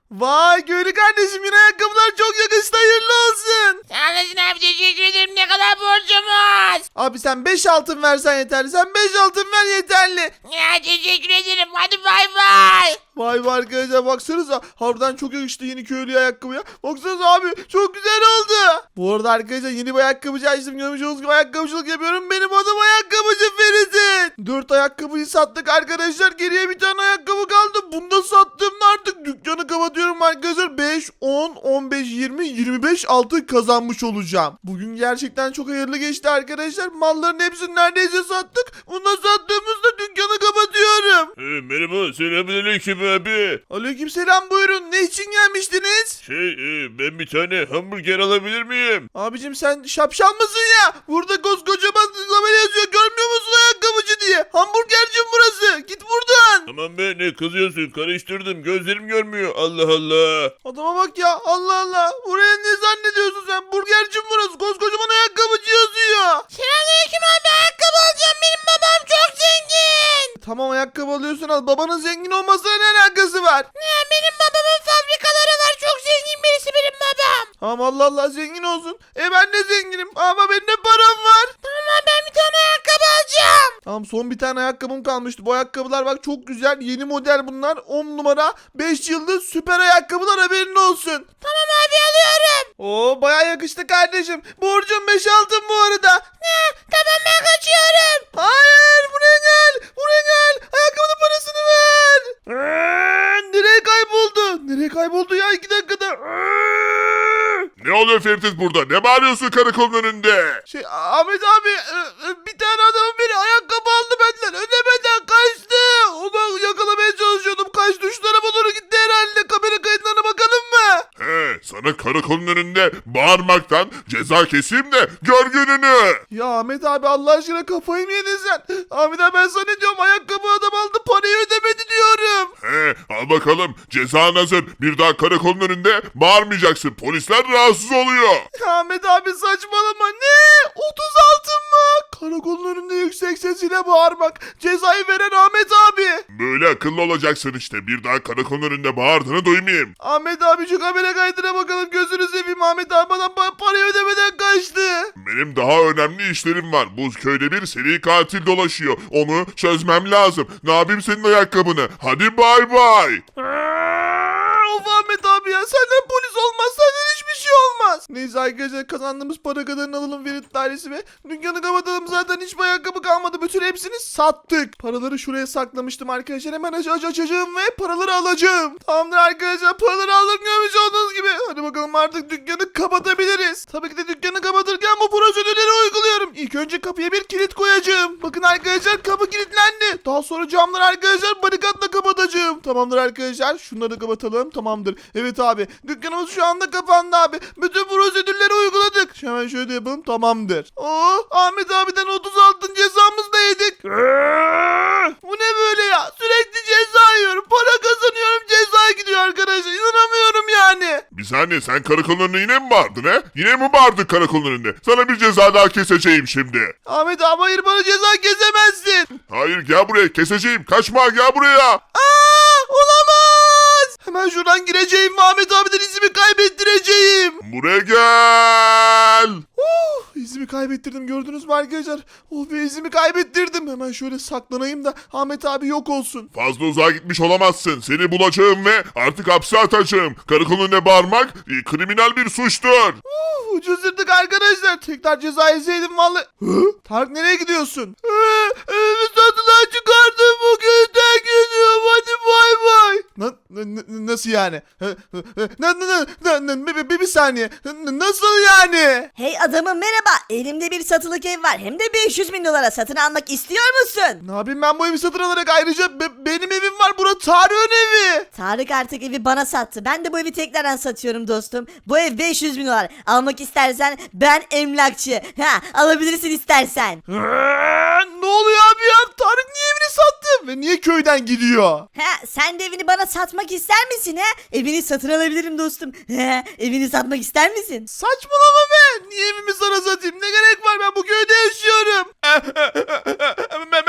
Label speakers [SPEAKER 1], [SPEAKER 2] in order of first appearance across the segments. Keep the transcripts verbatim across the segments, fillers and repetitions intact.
[SPEAKER 1] Vay köylü kardeşim, yine ayakkabılar çok yakıştı, hayırlı olsun.
[SPEAKER 2] Sağ olasın abi, teşekkür ederim. Ne kadar borcumuz?
[SPEAKER 1] Abi sen beş altın versen yeterli, sen beş altın ver yeterli.
[SPEAKER 2] Ya teşekkür ederim. Hadi bay bay.
[SPEAKER 1] Vay vay arkadaşlar, baksanıza harbiden çok yakıştı yeni köylü ayakkabıya. Baksanıza abi, çok güzel oldu. Bu arada arkadaşlar yeni bir ayakkabıcı açtım, görmüş olduğunuz gibi ayakkabıcılık yapıyorum. Benim adım ayakkabıcı Ferit'in. Dört ayakkabıyı sattık arkadaşlar, geriye bir tane ayakkabı kaldı. Bunu da sattığımda artık dükkanı kapatıyorum arkadaşlar. beş, on, on beş, yirmi, yirmi beş altın kazanmış olacağım. Bugün gerçekten çok hayırlı geçti arkadaşlar. Malların hepsini neredeyse sattık. Bunu da sattığımızda dükkanı kapatıyorum.
[SPEAKER 3] Ee, merhaba, selamünaleyküm abi.
[SPEAKER 1] Aleykümselam, buyurun. Ne için gelmiştiniz?
[SPEAKER 3] Şey, e, ben bir tane hamburger alabilir miyim?
[SPEAKER 1] Abicim sen şapşal mısın ya? Burada koskocaman tabela yazıyor. Görmüyor musun ayakkabıcı diye? Hamburgerci burası. Git buradan.
[SPEAKER 3] Tamam be, ne kızıyorsun? Karıştırdım, gözlerim görmüyor. Allah Allah.
[SPEAKER 1] Adama bak ya. Allah Allah. Buraya ne zannediyorsun sen? Burgerci burası. Koskocaman ayakkabıcı yazıyor.
[SPEAKER 2] Selamünaleyküm abi, ayakkabı alacağım. Benim babam çok zengin.
[SPEAKER 1] Tamam, ayakkabı alıyorsun al. Babanın zengin olmasına ne alakası var?
[SPEAKER 2] Ne, benim babamın fabrikaları var. Çok zengin birisi benim babam.
[SPEAKER 1] Tamam, Allah Allah, zengin olsun. E ben de zenginim ama benim de param var.
[SPEAKER 2] Tamam abi, ben bir tane ayakkabı alacağım.
[SPEAKER 1] Tamam, son bir tane ayakkabım kalmıştı. Bu ayakkabılar bak çok güzel. Yeni model bunlar. on numara. beş yıldız süper ayakkabılar, haberin olsun.
[SPEAKER 2] Tamam abi, alıyorum.
[SPEAKER 1] Oo, baya yakıştı kardeşim. Borcum beş altın bu arada.
[SPEAKER 2] Ne? Tamam, ben kaçıyorum.
[SPEAKER 1] Hayır, buraya gel. Buraya gel. Ayakkabının parasını ver. Ee, nereye kayboldu? Nereye kayboldu ya, iki dakikada? Ee.
[SPEAKER 3] Ne oluyor Ferit burada? Ne bağırıyorsun karakolun önünde?
[SPEAKER 1] Şey Ahmet abi, e, e, bir tane adamın biri ayakkabı aldı benden. Ödemeden kaçtı. Onu yakalamaya çalışıyordum. Kaçtı, şu tarafa doğru gitti herhalde. Kamera kayıtlarına bakalım mı?
[SPEAKER 3] He, sana karakolun önünde bağırmaktan ceza keseyim de gör gününü.
[SPEAKER 1] Ya Ahmet abi, Allah aşkına kafayı mı yedin sen? Ahmet abi, ben sana ne diyorum? Ayakkabı adam aldı, parayı ödemedi diyorum.
[SPEAKER 3] He, al bakalım, cezan hazır. Bir daha karakolun önünde bağırmayacaksın. Polisler rahatsız oluyor.
[SPEAKER 1] Ya Ahmet abi, saçmalama. Ne? otuz altın mı? Karakolun önünde yüksek sesiyle bağırmak. Cezayı veren Ahmet abi.
[SPEAKER 3] Böyle akıllı olacaksın işte. Bir daha karakolun önünde bağırdığını duymayayım.
[SPEAKER 1] Ahmet abi, şu kamera kaydına bakalım. Gözünü seveyim, Ahmet abi bana pa- parayı ödemeden kaçtı.
[SPEAKER 3] Benim daha önemli işlerim var. Bu köyde bir seri katil dolaşıyor. Onu çözmem lazım. Ne yapayım senin ayakkabını? Hadi bay bay.
[SPEAKER 1] Of Ahmet abi ya, senden polis olmaz, senden hiçbir şey olmaz. Neyse arkadaşlar, kazandığımız para kadarını alalım Ferit dairesi ve dükkanı kapatalım. Zaten hiçbir ayakkabı kalmadı, bütün hepsini sattık. Paraları şuraya saklamıştım arkadaşlar, hemen aç aç açacağım ve paraları alacağım. Tamamdır arkadaşlar, paraları aldım, görmüş olduğunuz gibi. Hadi bakalım, artık dükkanı kapatabiliriz. Tabii ki de dükkanı kapatırken bu prosedürleri uyguluyorum. İlk önce kapıya bir kilit koyacağım. Bakın arkadaşlar, kapı kilitlendi. Daha sonra camları arkadaşlar barikatla kapatacağım. Tamamdır arkadaşlar, şunları da kapatalım. Tamamdır. Evet abi, dükkanımız şu anda kapandı abi. Bütün prosedürleri uyguladık. Hemen şöyle yapalım, tamamdır. Oo, Ahmet abiden otuz altın cezamızı da yedik. Bu ne böyle ya? Sürekli ceza yiyorum. Para kazanıyorum, ceza gidiyor arkadaşlar. İnanamıyorum yani.
[SPEAKER 3] Bir saniye, sen karakolun önünde yine mi bağırdın he? Yine mi bağırdın karakolun önünde? Sana bir ceza daha keseceğim şimdi.
[SPEAKER 1] Ahmet abi, hayır, bana ceza kesemezsin.
[SPEAKER 3] Hayır, gel buraya, keseceğim. Kaçma, gel buraya.
[SPEAKER 1] Aa, olamaz. Hemen şuradan gireceğim ve Ahmet abiden izimi kaybettireceğim.
[SPEAKER 3] Buraya gel.
[SPEAKER 1] Uh, izimi kaybettirdim, gördünüz mü arkadaşlar? Oh be, izimi kaybettirdim. Hemen şöyle saklanayım da Ahmet abi yok olsun.
[SPEAKER 3] Fazla uzağa gitmiş olamazsın. Seni bulacağım ve artık hapse atacağım. Karakolun önüne bağırmak e, kriminal bir suçtur.
[SPEAKER 1] Uh, ucuzladık arkadaşlar. Tekrar ceza yeseydim vallahi. Hı? Tarık, nereye gidiyorsun? Ee, evimi satılığa çıkardım, bugün de gidiyorum. Hadi bay bay. Na, na- na- nasıl yani? Hı, hı, hı. Na, na, na, na, na, bir, bir, bir saniye. N- Nasıl yani?
[SPEAKER 4] Hey adamım, merhaba. Elimde bir satılık ev var. Hem de beş yüz bin dolara satın almak istiyor musun?
[SPEAKER 1] Ne yapayım ben bu evi satın alarak? Ayrıca be- benim evim var. Bura Tarık'ın evi.
[SPEAKER 4] Tarık artık evi bana sattı. Ben de bu evi tekrardan satıyorum dostum. Bu ev beş yüz bin dolar. Almak istersen ben emlakçı. Ha, alabilirsin istersen.
[SPEAKER 1] Ee, ne oluyor abi ya? Tarık niye evini sattı? Ve niye köyden gidiyor?
[SPEAKER 4] Ha, sen de evini bana satmak ister misin ha? Evini satın alabilirim dostum. Ha, evini satmak ister misin?
[SPEAKER 1] Saçmalama be. Niye evimi sana satayım? Ne gerek var? Ben bu köyde yaşıyorum. Merhaba.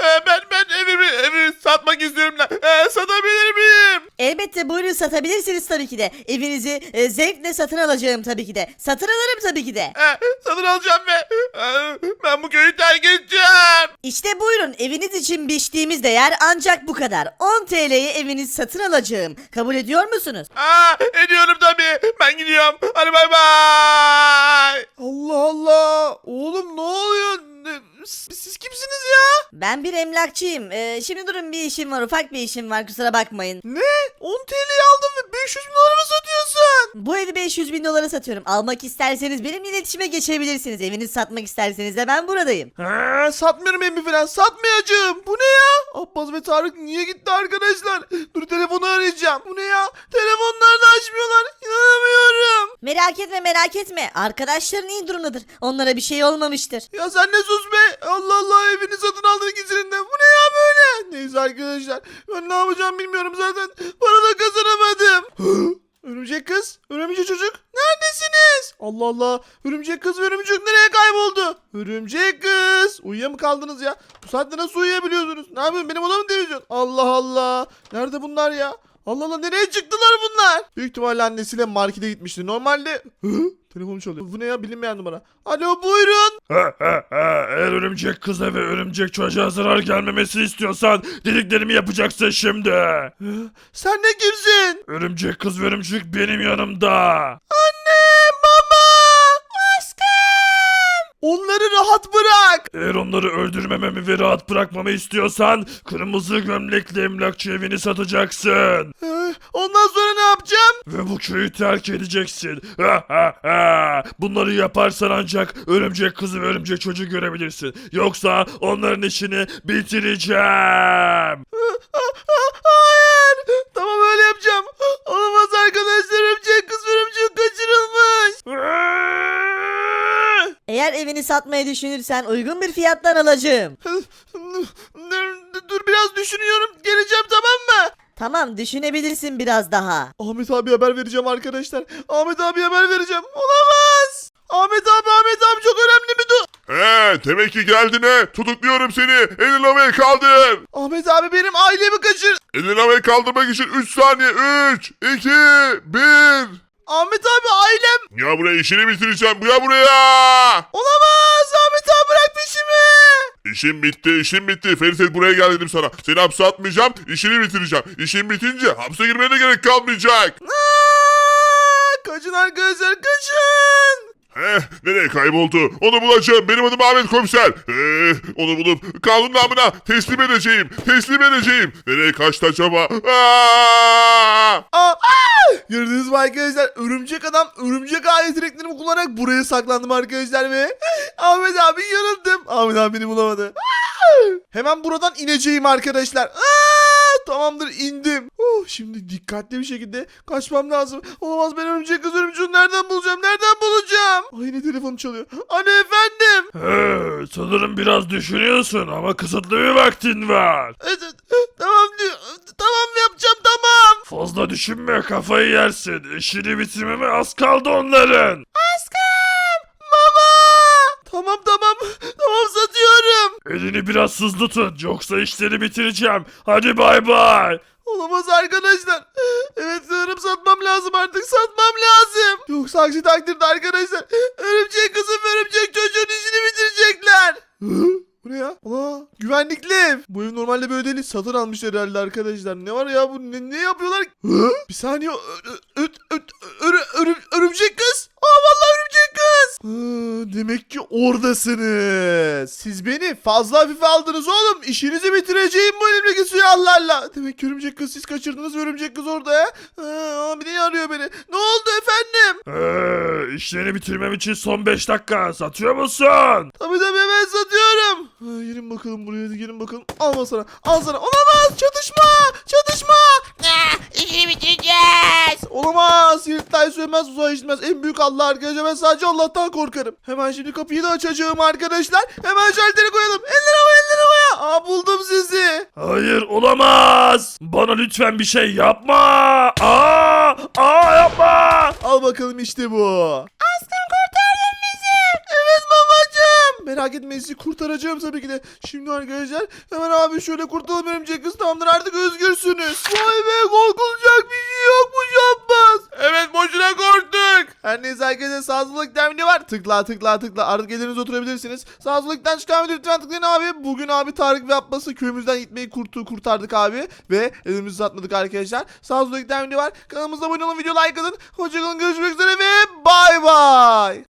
[SPEAKER 1] Ee, ben ben evimi evi satmak istiyorum da. Ee, satabilir miyim?
[SPEAKER 4] Elbette buyurun, satabilirsiniz tabii ki de. Evinizi e, zevkle satın alacağım tabii ki de. Satın alırım tabii ki de.
[SPEAKER 1] Ee, satın alacağım ve ee, ben bu köyü terk edeceğim.
[SPEAKER 4] İşte buyurun, eviniz için biçtiğimiz değer ancak bu kadar. on T L'ye evinizi satın alacağım. Kabul ediyor musunuz?
[SPEAKER 1] Aa, ediyorum tabii. Ben gidiyorum. Hadi bay bay. Allah Allah. Oğlum ne oluyor? Ne- Siz kimsiniz ya?
[SPEAKER 4] Ben bir emlakçıyım. Ee, şimdi durun, bir işim var, ufak bir işim var, kusura bakmayın.
[SPEAKER 1] Ne? on T L'yi aldın ve beş yüz bin dolara mı satıyorsun?
[SPEAKER 4] Bu evi beş yüz bin dolara satıyorum. Almak isterseniz benimle iletişime geçebilirsiniz. Evinizi satmak isterseniz de ben buradayım.
[SPEAKER 1] Ha, satmıyorum evi falan. Satmayacağım. Bu ne ya? Abbas ve Tarık niye gitti arkadaşlar? Dur telefonu arayacağım. Bu ne ya? Telefonları da açmıyorlar. İnanamıyorum.
[SPEAKER 4] Merak etme merak etme. Arkadaşların iyi durumdadır. Onlara bir şey olmamıştır.
[SPEAKER 1] Ya sen ne sus be. Allah Allah, evini satın aldın ikisinin de. Bu ne ya böyle? Neyse arkadaşlar. Ben ne yapacağım bilmiyorum zaten. Para da kazanamadım. Örümcek kız, örümcek çocuk, neredesiniz? Allah Allah, örümcek kız ve örümcek nereye kayboldu? Örümcek kız, uyuya mı kaldınız ya? Bu saatte nasıl uyuyabiliyorsunuz? Ne yapıyorsun, benim odamı temizliyorsun? Allah Allah, nerede bunlar ya? Allah Allah, nereye çıktılar bunlar? Büyük ihtimalle annesiyle markete gitmişti. Normalde... Hı? Telefon çalıyor. Bu ne ya, bilinmeyen numara. Alo, buyurun.
[SPEAKER 5] Ha, ha, ha. Eğer örümcek kıza ve örümcek çocuğa zarar gelmemesi istiyorsan dediklerimi yapacaksın şimdi.
[SPEAKER 1] Hı? Sen de kimsin?
[SPEAKER 5] Örümcek kız ve örümcek benim yanımda.
[SPEAKER 1] Anne, baba, aşkım. Onları rahat bırak.
[SPEAKER 5] Eğer onları öldürmememi ve rahat bırakmamı istiyorsan kırmızı gömlekli emlakçı evini satacaksın.
[SPEAKER 1] Hı? Ondan sonra ne yapacağım?
[SPEAKER 5] Ve bu köyü terk edeceksin. Ha, ha, ha. Bunları yaparsan ancak örümcek kızı ve örümcek çocuğu görebilirsin. Yoksa onların işini bitireceğim.
[SPEAKER 1] Hayır. Tamam, öyle yapacağım. Olamaz arkadaşlar. Örümcek kız ve örümcek kaçırılmış.
[SPEAKER 4] Eğer evini satmayı düşünürsen uygun bir fiyattan alacağım.
[SPEAKER 1] Dur, dur biraz düşünüyorum. Geleceğim, tamam mı?
[SPEAKER 4] Tamam, düşünebilirsin biraz daha.
[SPEAKER 1] Ahmet abi haber vereceğim arkadaşlar. Ahmet abi haber vereceğim. Olamaz. Ahmet abi, Ahmet abi çok önemli bir du...
[SPEAKER 3] He, demek ki geldin he. Tutukluyorum seni. Elini havaya kaldır.
[SPEAKER 1] Ahmet abi benim ailemi kaçır...
[SPEAKER 3] Elini havaya kaldırmak için üç saniye. üç, iki, bir.
[SPEAKER 1] Ahmet abi, ailem...
[SPEAKER 3] Ya buraya, işini bitireceğim. Ya buraya.
[SPEAKER 1] Olamaz. Ahmet abi bırak peşimi.
[SPEAKER 3] İşim bitti, işim bitti. Ferit, buraya gel dedim sana. Seni hapse atmayacağım, işini bitireceğim. İşin bitince hapse girmeye de gerek kalmayacak.
[SPEAKER 1] Aa, kaçın arkadaşlar, kaçın.
[SPEAKER 3] Heh, nereye kayboldu? Onu bulacağım. Benim adım Ahmet Komiser. Ee, onu bulup kanun namına teslim edeceğim. Teslim edeceğim. Nereye kaçtı acaba? Aa!
[SPEAKER 1] Aa, aa! Gördünüz mü arkadaşlar? Örümcek adam örümcek alet yeteneklerimi kullanarak buraya saklandım arkadaşlar ve Ahmet abi yanıldım. Ahmet abi beni bulamadı. Aa! Hemen buradan ineceğim arkadaşlar. Aa! Tamamdır, indim. Oh, şimdi dikkatli bir şekilde kaçmam lazım. Olamaz, ben örümcek kız örümceği nereden bulacağım? Nereden bulacağım? Ay, yine telefonum çalıyor. Anne, efendim.
[SPEAKER 5] He, sanırım biraz düşünüyorsun ama kısıtlı bir vaktin var.
[SPEAKER 1] Evet, tamam diyor. Tamam, yapacağım, tamam.
[SPEAKER 5] Fazla düşünme, kafayı yersin. İşini bitirmeme az kaldı onların.
[SPEAKER 1] Aşkım. Baba. Tamam tamam. Tamam, satıyorum.
[SPEAKER 5] Elini biraz hızlı tut yoksa işleri bitireceğim. Hadi bay bay.
[SPEAKER 1] Olamaz arkadaşlar. Evet, sanırım satmam lazım artık. Satmam lazım. Yoksa aksi takdirde arkadaşlar örümcek kızım ve örümcek çocuğun işini bitirecekler. Hı? Bu ne ya? Aa, güvenlikli ev. Bu ev normalde böyle değil. Satın almışlar herhalde arkadaşlar. Ne var ya, bu ne, ne yapıyorlar? Hı? Bir saniye. Ö- ö- ö- ö- örü- örü- örümcek kız. Aa, vallahi örümcek kız. Hı, demek ki oradasınız. Siz beni fazla hafife aldınız oğlum. İşinizi bitireceğim bu elimdeki silahlarla. Demek ki örümcek kız siz kaçırdınız ve örümcek kız orada ya. Aa, bir de arıyor beni. Ne oldu efendim?
[SPEAKER 5] Ee, işlerini bitirmem için son beş dakika. Satıyor musun?
[SPEAKER 1] Tabii tabii, hemen satıyorum. Ha, gelin bakalım buraya, hadi gelin bakalım. Al sana, al sana. Olamaz, çatışma, çatışma.
[SPEAKER 2] Ah, işini bitireceğiz.
[SPEAKER 1] Olamaz, yırtay sönmez, uzay işitmez. En büyük Allah arkadaşlar, ben sadece Allah'tan korkarım. Hemen şimdi kapıyı da açacağım arkadaşlar. Hemen şalteri koyalım. Eller havaya, eller havaya. Aa, buldum sizi.
[SPEAKER 5] Hayır, olamaz. Bana lütfen bir şey yapma. Aa, aa yapma.
[SPEAKER 1] Al bakalım, işte bu. Aşkım, kurtardın bizi. Evet babacığım. merak etmeyin sizi kurtaracağım tabii ki de. Şimdi arkadaşlar hemen abi şöyle kurtulalım örümcek kız, tamamdır artık özgürsünüz. Vay be, korkulacak bir şey yokmuş Abbas. Evet, boşuna korktuk. Her neyse arkadaşlar, sağlıklıktan ne var? Tıkla tıkla tıkla artık elinize oturabilirsiniz. Sağlıklıktan çıkan video lütfen tıklayın abi. Bugün abi Tarık ve Abbas'ı köyümüzden gitmeyi kurtu kurtardık abi. Ve elimizi satmadık arkadaşlar. Sağlıklıktan ne var? Kanalımıza abone olun, video like atın. Hoşçakalın, görüşmek üzere ve bay bay.